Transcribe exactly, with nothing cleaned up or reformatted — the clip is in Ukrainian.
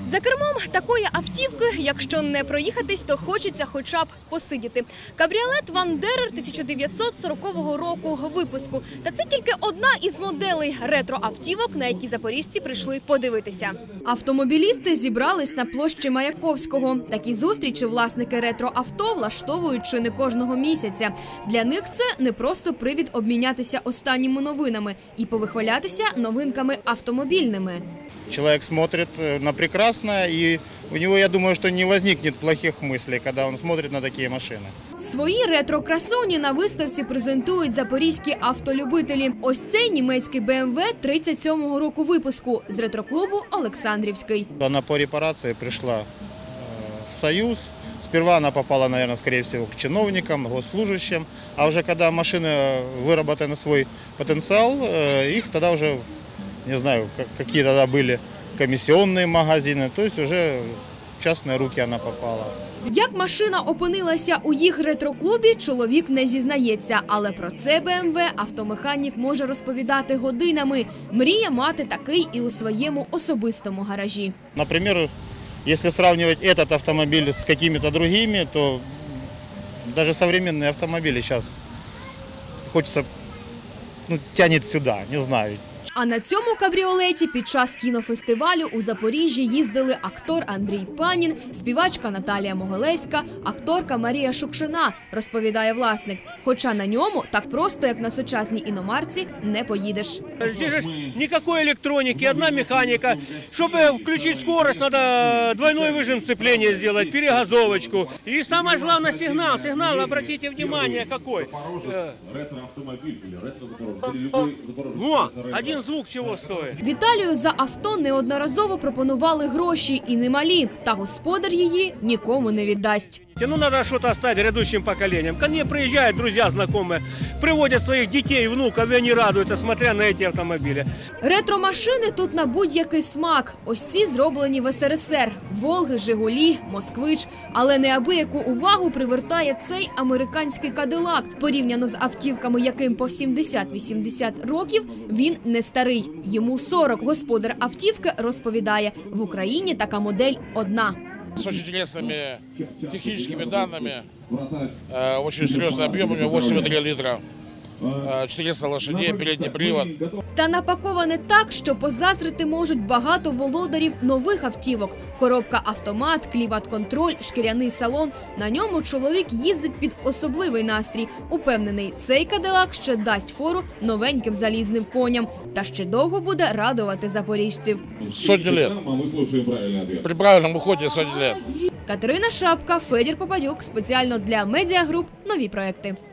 За кермом такої автівки, якщо не проїхатись, то хочеться хоча б посидіти. Кабріолет Вандерер тисяча дев'ятсот сорокового року випуску. Та це тільки одна із моделей ретро-автівок, на які запоріжці прийшли подивитися. Автомобілісти зібрались на площі Маяковського. Такі зустрічі власники ретро-авто влаштовують чи не кожного місяця. Для них це не просто привід обмінятися останніми новинами і повихвалятися новинками автомобільними. Человек смотрит на прекрасное, и у него, я думаю, что не возникнет плохих мыслей, когда он смотрит на такие машины. Свої ретро-красуні на виставці презентують запорізькі автолюбителі. Ось цей німецький Бе Ем Ве тридцять сьомого року випуску з ретро-клубу «Олександрівський». Она по репарации пришла в Союз. Сперва она попала, наверное, скорее всего, к чиновникам, госслужащим. А уже когда машины выработаны на свой потенциал, их тогда уже, не знаю, какие тогда были комиссионные магазины, то есть уже в частные руки она попала. Як машина опинилася у їх ретро-клубі, чоловік не зізнається. Але про це Бе Ем Ве автомеханік може розповідати годинами. Мріє мати такий і у своєму особистому гаражі. Например, если сравнивать этот автомобиль с какими-то другими, то даже современные автомобили сейчас хочется, ну, тянет сюда, не знаю. А на цьому кабріолеті під час кінофестивалю у Запоріжжі їздили актор Андрій Панін, співачка Наталія Могилевська, акторка Марія Шукшина, розповідає власник. Хоча на ньому так просто, як на сучасній іномарці, не поїдеш. Здесь же никакой электроники, одна механика. Чтобы включить скорость, надо двойной выжим сцепления сделать, перегазовочку. И самое главное сигнал. Сигнал, обратите внимание, какой. Во, один звук всего стоит. Віталію за авто неодноразово пропонували гроші і немалі. Та господар її нікому не віддасть. Ну, надо что-то оставить грядущим поколениям. Ко мне приезжают друзья, знакомые, приводят своих детей, внуков, и они радуются, смотря на эти автомобили. Ретро-машини тут на будь-який смак. Ось ці зроблені в Ес Ер Ес Ер. Волги, Жигулі, Москвич. Але неабияку увагу привертає цей американський Кадилак. Порівняно з автівками, яким по сімдесят-вісімдесят років, він не старий. Йому сорок. Господар автівки розповідає, в Україні така модель одна. С очень интересными техническими данными, очень серьезный объем, у него восемь и три литра, чотириста лошадей, передний привод. Та напаковане так, що позазрити можуть багато володарів нових автівок. Коробка автомат, клімат-контроль, шкіряний салон. На ньому чоловік їздить під особливий настрій. Упевнений, цей Кадилак ще дасть фору новеньким залізним коням. Та ще довго буде радувати запоріжців. Сотні лет. При правильному ході сотні лет. Катерина Шапка, Федір Попадюк. Спеціально для Медіагруп. Нові проекти.